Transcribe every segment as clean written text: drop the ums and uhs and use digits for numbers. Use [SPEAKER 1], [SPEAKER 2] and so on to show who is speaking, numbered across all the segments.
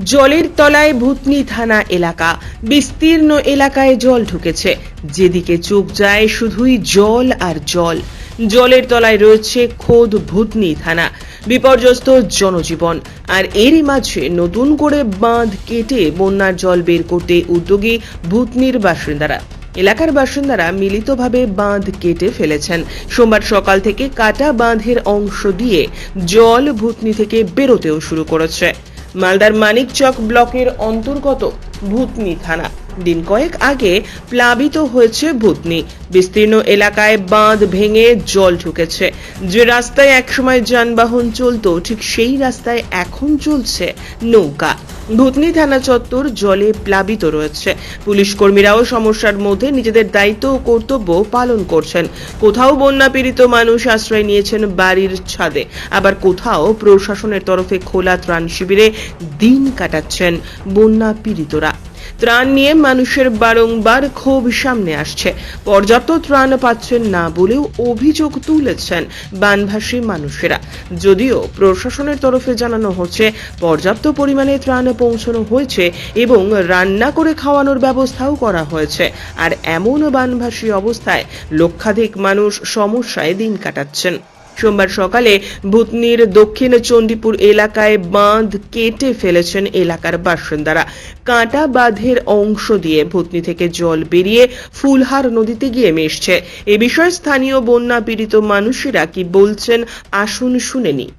[SPEAKER 1] জলের তলায় ভূতনি থানা এলাকা। বিস্তীর্ণ এলাকায় জল ঢুকেছে, যেদিকে চোখ যায় শুধুই জল আর জল। জলের তলায় রয়েছে খোদ ভূতনি থানা। বিপর্যস্ত জনজীবন, আর এরই মাঝে নতুন করে বাঁধ কেটে বন্যার জল বের করতে উদ্যোগী ভূতনির বাসিন্দারা। এলাকার বাসিন্দারা মিলিতভাবে বাঁধ কেটে ফেলেছেন। সোমবার সকাল থেকে কাটা বাঁধের অংশ দিয়ে জল ভূতনি থেকে বেরোতেও শুরু করেছে। মালদার মানিকচক ব্লকের অন্তর্গত ভূতনি থানা। দিন কয়েক আগে প্লাবিত হয়েছে ভূতনি। বিস্তীর্ণ এলাকায় বাঁধ ভেঙে জল ঢুকেছে। যে রাস্তায় একসময় যানবাহন চলতো, ঠিক সেই রাস্তায় এখন চলছে নৌকা। ভূতনি থানা চত্বর জলে প্লাবিত রয়েছে। পুলিশ কর্মীরাও সমস্যার মধ্যে নিজেদের দায়িত্ব ও কর্তব্য পালন করছেন। কোথাও বন্যা পীড়িত মানুষ আশ্রয় নিয়েছেন বাড়ির ছাদে, আবার কোথাও প্রশাসনের তরফে খোলা ত্রাণ শিবিরে দিন কাটাচ্ছেন বন্যা পীড়িতরা। ত্রাণ নিয়ে মানুষের বারংবার ক্ষোভ সামনে আসছে। পর্যাপ্ত ত্রাণ পাচ্ছেন না বলেও অভিযোগ তুলেছেন বানভাসী মানুষেরা। যদিও প্রশাসনের তরফে জানানো হচ্ছে পর্যাপ্ত পরিমাণে ত্রাণ পৌঁছানো হয়েছে এবং রান্না করে খাওয়ানোর ব্যবস্থাও করা হয়েছে। আর এমন বানভাসী অবস্থায় লক্ষাধিক মানুষ সমস্যায় দিন কাটাচ্ছেন। সোমবার সকালে ভূতনির দক্ষিণ চণ্ডীপুর এলাকায় বাঁধ কেটে ফেলেছেন এলাকার বাসিন্দারা। কাটা বাঁধের অংশ দিয়ে ভূতনি থেকে জল বেরিয়ে ফুলহার নদীতে গিয়ে মিশছে। এ বিষয়ে স্থানীয় বন্যা পীড়িত মানুষেরা কি বলছেন, আসুন শুনে নি।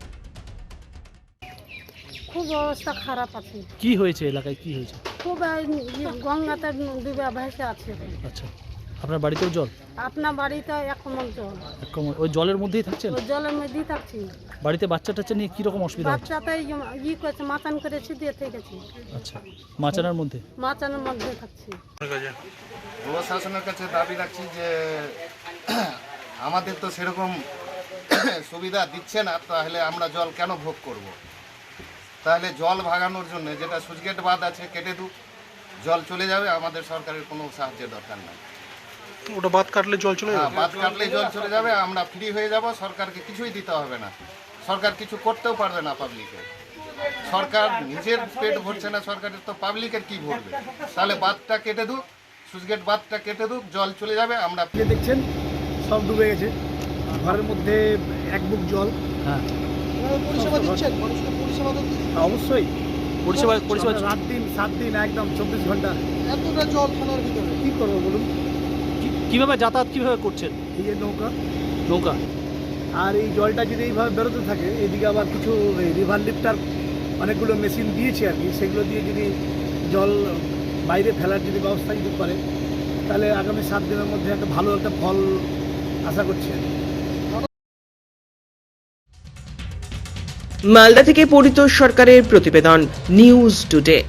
[SPEAKER 2] খুব অবস্থা খারাপ আছে।
[SPEAKER 3] কি হয়েছে এলাকায়, কি হয়েছে?
[SPEAKER 2] খুব গঙ্গাতে ডুবে ভেসে আছে।
[SPEAKER 3] আচ্ছা, আপনার বাড়িতেও জল?
[SPEAKER 2] আপনার বাড়িতে এক কমল জল।
[SPEAKER 3] ওই জলের মধ্যেই থাকছেন?
[SPEAKER 2] ওই জলের মধ্যেই থাকছি।
[SPEAKER 3] বাড়িতে বাচ্চা টাচ্চা নিয়ে কি রকম অসুবিধা হচ্ছে?
[SPEAKER 2] বাচ্চাটাই করেছে, মাচান করেছি দিয়ে থেকেছি।
[SPEAKER 3] আচ্ছা, মাচানার মধ্যে?
[SPEAKER 2] মাচানের মধ্যে থাকছি।
[SPEAKER 4] প্রশাসনের কাছে দাবি রাখছি যে আমাদের তো সেরকম সুবিধা দিচ্ছে না, তাহলে আমরা জল কেন ভোগ করব? তাহলে জল ভাগানোর জন্য যেটা সুইচগেট বাঁধ আছে কেটে দুক, জল চলে যাবে। আমাদের সরকারের কোনো সাহায্যের দরকার নাই।
[SPEAKER 5] ওটা বাঁধ কাটলে জল চলে যাবে?
[SPEAKER 4] বাঁধ কাটলে জল চলে যাবে, আমরা ফ্রি হয়ে যাব। সরকারকে কিছুই দিতে হবে না, সরকার কিছু করতেও পারবে না পাবলিকে। সরকার নিজের পেট ভরছে না, সরকারের তো পাবলিকের কি ভরবে? তাহলে বাঁধটা কেটে দুক, সুইচগেট বাঁধটা কেটে দুক, জল চলে যাবে। আমরা
[SPEAKER 6] দেখছেন সব ডুবে গেছে, ঘরের মধ্যে এক বুক জল।
[SPEAKER 3] হ্যাঁ,
[SPEAKER 5] পরিষেবা দিচ্ছেন মানুষকে? পরিষেবা তো
[SPEAKER 6] অবশ্যই
[SPEAKER 3] পরিষেবা
[SPEAKER 6] 7 দিন একদম 24 ঘন্টা।
[SPEAKER 5] এতটা জল থানার ভিতরে
[SPEAKER 6] কি করবো বলুন?
[SPEAKER 3] কিভাবে যাতায়াত কিভাবে করছেন?
[SPEAKER 6] এই যে
[SPEAKER 3] নৌকা।
[SPEAKER 6] আর এই জলটা যদি এইভাবে বেরোতে থাকে, এদিকে আবার কিছু রিভার লিফটার অনেকগুলো মেশিন দিয়েছে আর কি, সেগুলো দিয়ে যদি জল বাইরে ফেলার যদি ব্যবস্থা যদি করে, তাহলে আগামী 7 দিনের মধ্যে একটা ভালো একটা ফল আশা করছি।
[SPEAKER 1] মালদা থেকে পরিতোষ সরকারের প্রতিবেদন, নিউজ টুডে।